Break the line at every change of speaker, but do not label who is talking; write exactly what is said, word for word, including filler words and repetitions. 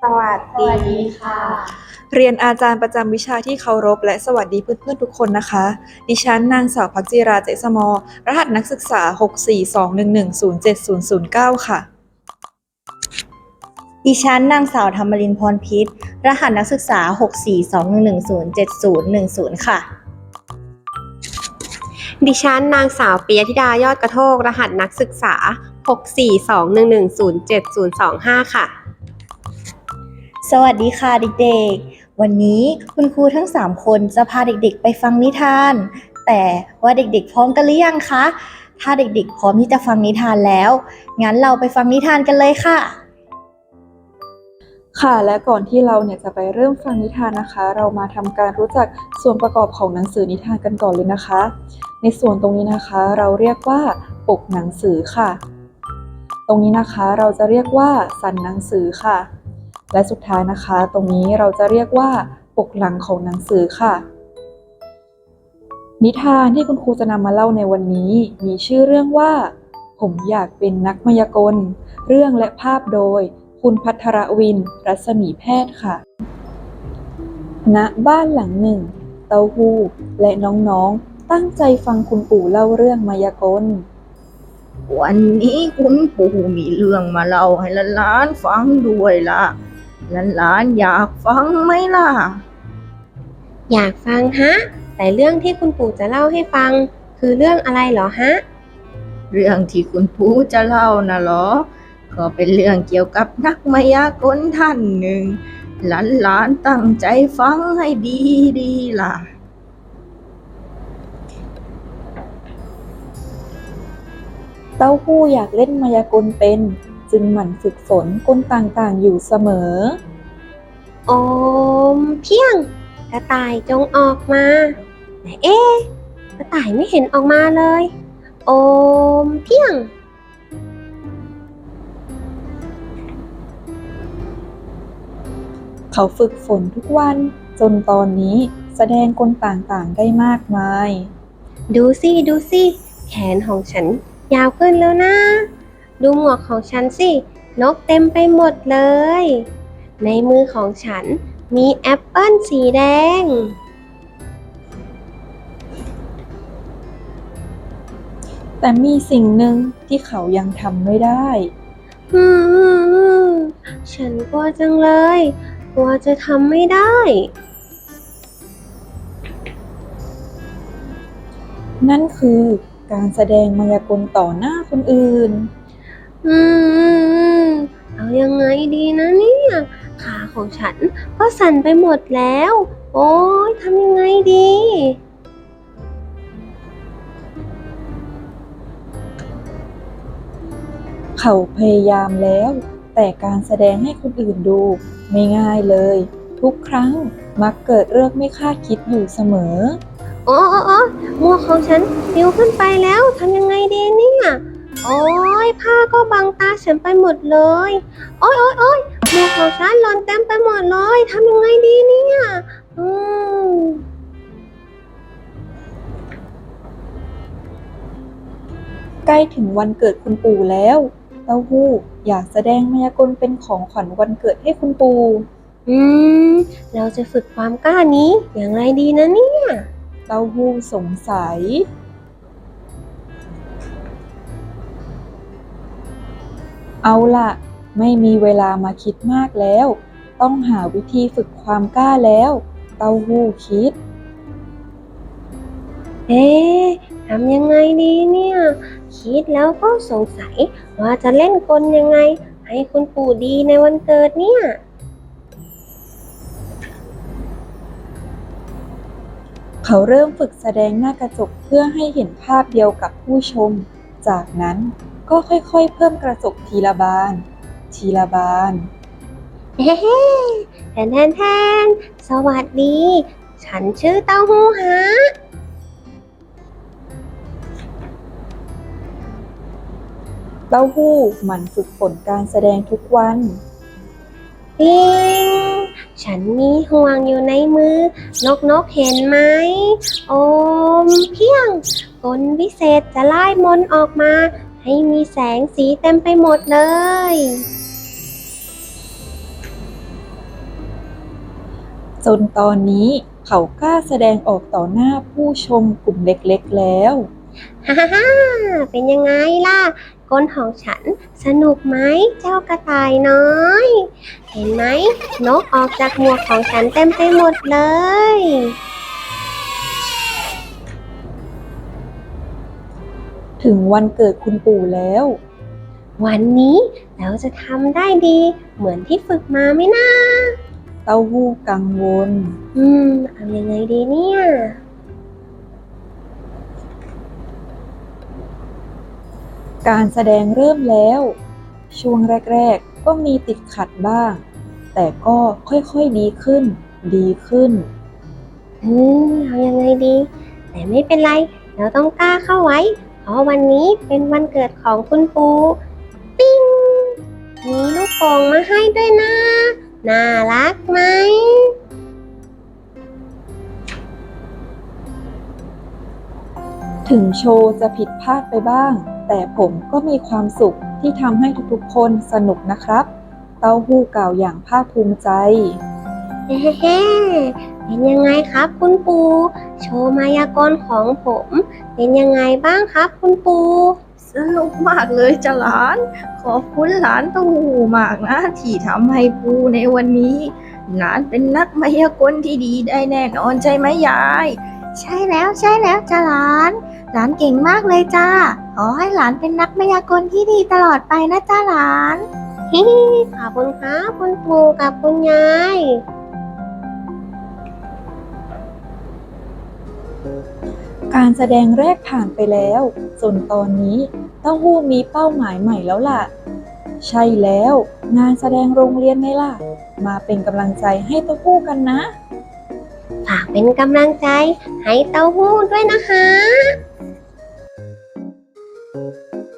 วัส
สวัสดี
ดี
ค่ะ
เรียนอาจารย์ประจำวิชาที่เคารพและสวัสดีเพื่อนๆทุกคนนะคะดิฉันนางสาวพักจิราเจษมอรหัสนักศึกษา หก สี่ สอง หนึ่ง หนึ่ง ศูนย์ เจ็ด ศูนย์ ศูนย์ เก้า ค่ะ
ดิฉันนางสาวธรรมรินทร์พรพิษรหัสนักศึกษา หก สี่ สอง หนึ่ง หนึ่ง ศูนย์ เจ็ด ศูนย์ หนึ่ง ศูนย์ ค่ะ
ดิฉันนางสาวปิยธิดายอดกระโทกรหัสนักศึกษา หก สี่ สอง หนึ่ง หนึ่ง ศูนย์ เจ็ด ศูนย์ สอง ห้า ค่ะ
สวัสดีค่ะเด็กๆ วันนี้คุณครูทั้งสามคนจะพาเด็กๆไปฟังนิทาน แต่ว่าเด็กๆพร้อมกันหรือยังคะ ถ้าเด็กๆพร้อมที่จะฟังนิทานแล้ว งั้นเราไปฟังนิทานกันเลยค่ะ
ค่ะและก่อนที่เราเนี่ยจะไปเริ่มฟังนิทานนะคะ เรามาทำการรู้จักส่วนประกอบของหนังสือนิทานกันก่อนเลยนะคะ ในส่วนตรงนี้นะคะเราเรียกว่าปกหนังสือค่ะ ตรงนี้นะคะเราจะเรียกว่าสันหนังสือค่ะและสุดท้ายนะคะตรงนี้เราจะเรียกว่าปกหลังของหนังสือค่ะนิทานที่คุณครูจะนำมาเล่าในวันนี้มีชื่อเรื่องว่าผมอยากเป็นนักมายากลเรื่องและภาพโดยคุณภัทรวิน รัศมีแพทย์ค่ะณบ้านหลังหนึ่งเต้าหู้และน้องๆตั้งใจฟังคุณปู่เล่าเรื่องมายากล
วันนี้คุณปู่มีเรื่องมาเล่าให้หลานๆฟังด้วยล่ะหลานๆอยากฟังไหมล่ะ
อยากฟังฮะ แต่เรื่องที่คุณปู่จะเล่าให้ฟัง คือเรื่องอะไรเหรอฮะ
เรื่องที่คุณปู่จะเล่านะเหรอก็เป็นเรื่องเกี่ยวกับนักมายากลท่านหนึ่งหลานๆตั้งใจฟังให้ดีๆล่ะ
เต้าหู้อยากเล่นมายากลเป็นจึงหมั่นฝึกฝนกลต่างๆอยู่เสมอ
โอมเพียง กระต่ายจงออกมาแต่เอ๊ะกระต่ายไม่เห็นออกมาเลย โอมเพียง
เขาฝึกฝนทุกวันจนตอนนี้แสดงกลต่างๆได้มากมาย
ดูสิดูสิแขนของฉันยาวขึ้นแล้วนะ ดูหมวกของฉันสินกเต็มไปหมดเลย ในมือของฉันมีแอปเปิ้ลสีแดง
แต่มีสิ่งหนึ่งที่เขายังทำไม่ได้
อืมฉันกลัวจังเลยกลัวจะทำไม่ได้
นั่นคือการแสดงมายากลต่อหน้าคนอื่น
อืมเอายังไงดีนะเนี่ยขาของฉันก็สั่นไปหมดแล้ว โอ๊ยทำยังไงดี
เขาพยายามแล้ว แต่การแสดงให้คนอื่นดูไม่ง่ายเลย ทุกครั้งมักเกิดเรื่องไม่คาดคิดอยู่เสมอ
โอ้โอ้โอ้หมวกของฉันปลิวขึ้นไปแล้วทำยังไงดีเนี่ยโอ้ยผ้าก็บังตาฉันไปหมดเลยโอ้ยโอ้ยโอ้ยหมวกของฉันหล่นเต็มไปหมดเลยทำยังไงดีเนี่ยอืม
ใกล้ถึงวันเกิดคุณปู่แล้ว เต้าหู้อยากแสดงมายากลเป็นของขวัญวันเกิดให้คุณปู่
อืมเราจะฝึกความกล้านี้อย่างไรดีนะเนี่ย
เต้าหู้สงสัย เอาล่ะ ไม่มีเวลามาคิดมากแล้ว ต้องหาวิธีฝึกความกล้าแล้ว เต้าหู้คิด
เอ๊ะทำยังไงดีเนี่ย คิดแล้วก็สงสัยว่าจะเล่นกลยังไง ให้คุณปู่ดีในวันเกิดเนี่ย
เขาเริ่มฝึกแสดงหน้ากระจกเพื่อให้เห็นภาพเดียวกับผู้ชม จากนั้นก็ค่อยๆเพิ่มกระจกทีละบาน ทีละบาน
เฮ้แทนแทนแทนสวัสดี ฉันชื่อเต้าหู้ฮะ
เต้าหู้หมั่นฝึกฝนการแสดงทุกวัน
ปิงฉันมีห่วงอยู่ในมือ นกนกเห็นไหม โอมเพียงกลวิเศษจะไล่มนต์ออกมา ให้มีแสงสีเต็มไปหมดเลย
จนตอนนี้เขากล้าแสดงออกต่อหน้าผู้ชมกลุ่มเล็กๆแล้ว
ฮ่าฮ่าฮ่าเป็นยังไงล่ะกลของฉันสนุกไหมเจ้ากระต่ายน้อย เห็นไหมนกออกจากหมวกของฉันเต็มไปหมดเลย
ถึงวันเกิดคุณปู่แล้ว
วันนี้เราจะทำได้ดีเหมือนที่ฝึกมาไหมนะ
เต้าหู้กังวล
อืม เอายังไงดีเนี่ย
การแสดงเริ่มแล้ว ช่วงแรกๆก็มีติดขัดบ้าง แต่ก็ค่อยๆดีขึ้น ดีขึ้น
อืม เอายังไงดี แต่ไม่เป็นไร เราต้องกล้าเข้าไว้ เพราะวันนี้เป็นวันเกิดของคุณปูปิ้ง มีลูกโป่งมาให้ด้วยนะ น่ารักไหม
ถึงโชว์จะผิดพลาดไปบ้าง แต่ผมก็มีความสุขที่ทำให้ทุกๆคนสนุกนะครับ เต้าหู้กล่าวอย่างภาคภูมิใจ
เฮ้เฮ้เป็นยังไงครับคุณปู โชว์มายากลของผม เป็นยังไงบ้างครับคุณปู
สนุกมากเลยจ้ะหลาน ขอบคุณหลานเต้าหู้มากนะที่ทำให้ปูในวันนี้ หลานเป็นนักมายากลที่ดีได้แน่นอนใช่ไหมยาย
ใช่แล้วใช่แล้วจ้าหลาน หลานเก่งมากเลยจ้า ขอให้หลานเป็นนักมายากลที่ดีตลอดไปนะจ้าหลาน
ฮิขอบคุณครับคุณปูกับคุณยาย
การแสดงแรกผ่านไปแล้วจนตอนนี้เต้าหู้มีเป้าหมายใหม่แล้วล่ะ ใช่แล้วงานแสดงโรงเรียนไงล่ะ มาเป็นกำลังใจให้เต้าหู้กันนะ
ฝากเป็นกำลังใจให้เต้าหู้ด้วยนะคะ